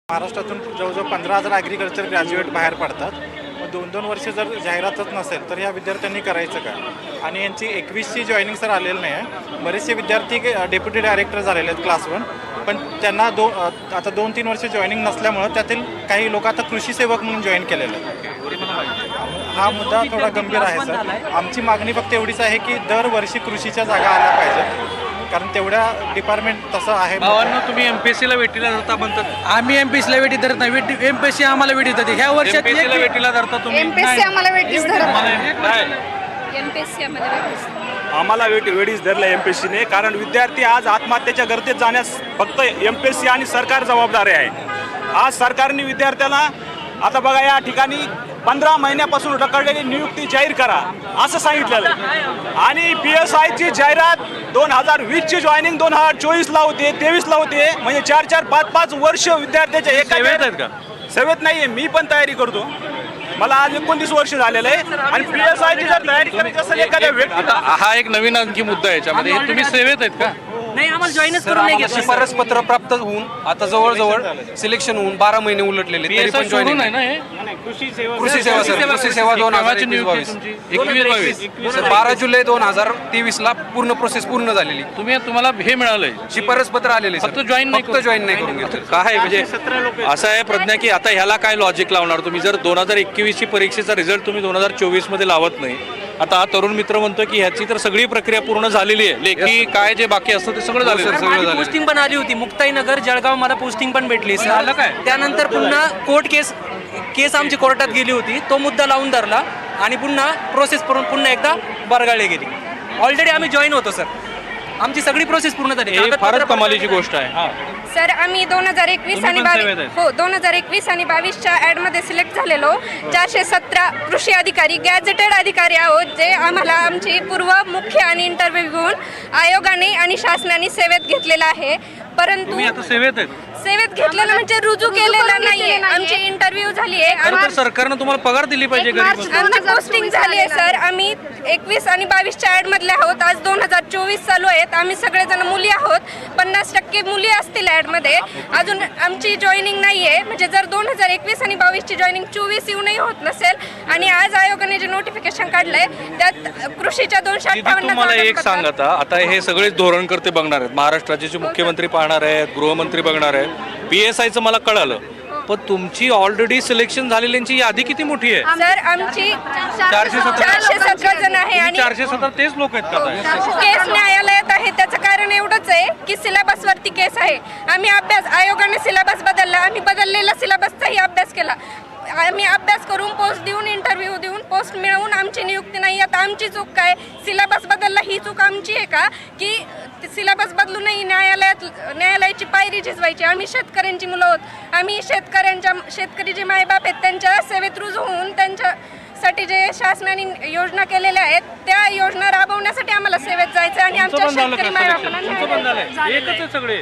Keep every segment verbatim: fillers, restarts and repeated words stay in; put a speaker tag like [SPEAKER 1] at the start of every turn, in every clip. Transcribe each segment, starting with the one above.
[SPEAKER 1] महाराष्ट्रातून जवळजवळ पंधरा हजार ॲग्रिकल्चर ग्रॅज्युएट बाहेर पडतात. मग दोन दोन वर्ष जर जाहिरातच नसेल तर या विद्यार्थ्यांनी करायचं का? आणि यांची एकवीसची जॉईनिंग सर आलेलं नाही आहे. बरेचसे विद्यार्थी डेप्युटी डायरेक्टर झालेले आहेत क्लास वन, पण त्यांना दो आता दोन तीन वर्ष जॉईनिंग नसल्यामुळं त्यातील काही लोक आता कृषी सेवक म्हणून जॉईन केलेले आहेत. हा मुद्दा थोडा गंभीर आहे सर. आमची मागणी फक्त एवढीच आहे की दरवर्षी कृषीच्या जागा आल्या पाहिजेत, कारण तेवढ्या डिपार्टमेंट तसं आहे.
[SPEAKER 2] भावांना तुम्ही एमपीएससीला वेटीला धरता म्हणतात.
[SPEAKER 3] आम्ही एमपीएससीला वेटी धरत नाही, वेटी एमपीएससी आम्हाला वेटी धरते. ह्या वर्षात
[SPEAKER 2] एमपीएससीला वेटीला धरता तुम्ही?
[SPEAKER 4] एमपीएससी आम्हाला वेटीच धरत
[SPEAKER 2] नाही.
[SPEAKER 4] एमपीएससी आम्हाला वेटीच
[SPEAKER 5] आम्हाला वेटी वेटीच धरलं एमपीएससीने, कारण विद्यार्थी आज आत्महत्येच्या गर्तेत जाण्यास फक्त एमपीएससी आणि सरकार जबाबदारी आहे. आज सरकारने विद्यार्थ्याला आता बघा या ठिकाणी पंधरा महिन्यापासून रखडलेली नियुक्ती जाहीर करा असं सांगितलेलं आहे. आणि पी एस आयची जाहिरात दोन हजार वीसची जॉईनिंग दोन हजार चोवीसला होते, तेवीसला होते. म्हणजे चार चार पाच पाच वर्ष विद्यार्थ्याच्या एका
[SPEAKER 2] सेवेत आहेत का?
[SPEAKER 5] सेवेत नाही आहे. मी पण तयारी करतो, मला आज एकोणतीस वर्ष झालेलं आहे. आणि पी एस आयची जर तयारी करायची असेल एखाद्या व्यक्ती,
[SPEAKER 2] आता हा एक नवीन आणखी मुद्दा आहे याच्यामध्ये. हे तुम्ही सेवेत आहेत का?
[SPEAKER 3] नाही, आम्हाला जॉईनच करून नाही घेतलं. शिफारस पत्र प्राप्त होऊन आता जवळजवळ सिलेक्शन होऊन बारा महिने उलटलेले, तरी पण जॉईनिंग
[SPEAKER 2] आहे ना हे?
[SPEAKER 5] कृषी सेवा
[SPEAKER 3] कृषी सेवा सर, कृषी सेवा दोन हजार एकवीस बावीस
[SPEAKER 2] एकवीस बावीस
[SPEAKER 3] सर, बारा जुलै दोन हजार तेवीस ला पूर्ण प्रोसेस पूर्ण झालेली.
[SPEAKER 2] तुम्ही तुम्हाला हे मिळालंय,
[SPEAKER 3] शिफारस पत्र आलेले,
[SPEAKER 2] फक्त जॉईन नाही,
[SPEAKER 3] फक्त जॉईन नाही करून घेतलं.
[SPEAKER 2] काय म्हणजे असं आहे प्रज्ञा की आता ह्याला काय लॉजिक लावणार तुम्ही? जर दोन हजार एकवीसची परीक्षेचा रिझल्ट तुम्ही दोन हजार चोवीस मध्ये लावत नाही. आता हा तरुण मित्र म्हणतो की ह्याची तर सगळी प्रक्रिया पूर्ण झालेली आहे, लेखी काय जे बाकी असतं ते सगळं झालं.
[SPEAKER 3] माझी पोस्टिंग पण आली होती मुक्ताईनगर जळगाव, मला पोस्टिंग पण भेटली सर. त्यानंतर पुन्हा कोर्ट केस केस आमची कोर्टात गेली होती, तो मुद्दा लावून धरला आणि पुन्हा प्रोसेस करून पुन्हा एकदा बरगाळली गेली. ऑलरेडी आम्ही जॉईन होतो सर, आमची सगळी प्रोसेस पूर्ण झाली.
[SPEAKER 2] हे फारच कमालीची गोष्ट आहे.
[SPEAKER 4] सर, आम्ही दोन हजार एकवीस आणि बावीस हो दोन हजार एकवीस आणि बावीसच्या ॲडमध्ये सिलेक्ट झालेलो. चारशे सतरा कृषी अधिकारी गॅझेटेड अधिकारी आहोत, जे आम्हाला आमची पूर्व मुख्य आणि इंटरव्ह्यू घेऊन आयोगाने आणि शासनाने सेवेत घेतलेला आहे. परंतु
[SPEAKER 2] तुम्ही आता सेवेत आहेत?
[SPEAKER 4] सेवेत घेतलेलं म्हणजे रुजू केलेलं नाहीये. आमची इंटरव्ह्यू झाली आहे,
[SPEAKER 2] खरं तर सरकारनं तुम्हाला पगार दिली पाहिजे. गरीब
[SPEAKER 4] आमची पोस्टिंग झाली आहे सर. आम्ही एकवीस आणि बावीसच्या ॲड मधले आहोत. आज दोन हजार चोवीस चालू आहेत. आम्ही सगळेजण मुली आहोत. पन्नास टक्के मुली असतील ॲडमध्ये. अजून आमची जॉईनिंग नाही आहे. म्हणजे जर दोन हजार एकवीस आणि बावीसची जॉईनिंग चोवीस येऊनही होत नसेल आणि आज आयोगाने जे नोटिफिकेशन काढलंय त्यात कृषीच्या दोनशे अठ्ठावन्न
[SPEAKER 2] तुम्हाला एक सांग, आता आता हे सगळेच धोरणकर्ते बघणार आहेत. महाराष्ट्राचे जे मुख्यमंत्री पाहणार आहेत, गृहमंत्री बघणार आहेत. पी एस आयचं मला कळालं, पण तुमची ऑलरेडी सिलेक्शन झालेल्यांची यादी किती मोठी आहे?
[SPEAKER 4] सर, आमची
[SPEAKER 2] चारशे सतरा
[SPEAKER 4] चारशे सतरा जण आहे आणि
[SPEAKER 2] चारशे सतरा तेच लोक आहेत का?
[SPEAKER 4] केस न्यायालयात आहे. त्याचं कारण एवढंच आहे की सिलेबस वरती केस आहे. आम्ही अभ्यास आयोगाने सिलेबस बदलला, आम्ही बदललेला सिलेबसचाही अभ्यास केला. आम्ही अभ्यास करून पोस्ट देऊन इंटरव्ह्यू देऊन पोस्ट मिळवून आमची नियुक्ती नाही. आता आमची चूक काय? सिलेबस बदलला ही चूक आमची आहे का? की सिलेबस बदलूनही न्यायालयात न्यायालयाची पायरी झिजवायची? आम्ही शेतकऱ्यांची मुलं आहोत. आम्ही शेतकऱ्यांच्या शेतकरी जे मायबाप आहेत त्यांच्या सेवेत रुजू होऊन त्यांच्यासाठी जे शासनाने योजना केलेल्या आहेत त्या योजना राबवण्यासाठी आम्हाला सेवेत जायचं आणि आमच्या शेतकरी मायबापांना
[SPEAKER 2] एकच आहे सगळे.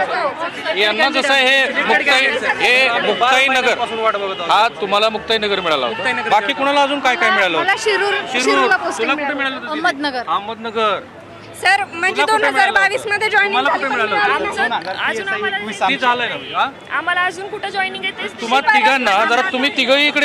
[SPEAKER 2] यांना जसं हे मुक्ताई हे मुक्ताई नगर हा तुम्हाला मुक्ताई नगर मिळाला होता. बाकी कुणाला अजून काय काय मिळालं?
[SPEAKER 4] मला शिरूर
[SPEAKER 2] शिरूर तुला कुठे मिळालं होतं?
[SPEAKER 4] अहमदनगर.
[SPEAKER 2] अहमदनगर
[SPEAKER 4] सर, म्हणजे दोन हजार बावीस मध्ये जॉईनिंग
[SPEAKER 2] मला कुठे मिळालं होतं?
[SPEAKER 6] अजून आम्हाला
[SPEAKER 2] किती झालंय ना?
[SPEAKER 6] आम्हाला अजून कुठं जॉईनिंग आहे
[SPEAKER 2] तुम्हाला तिघांना जरा तुम्ही तिघही इकडे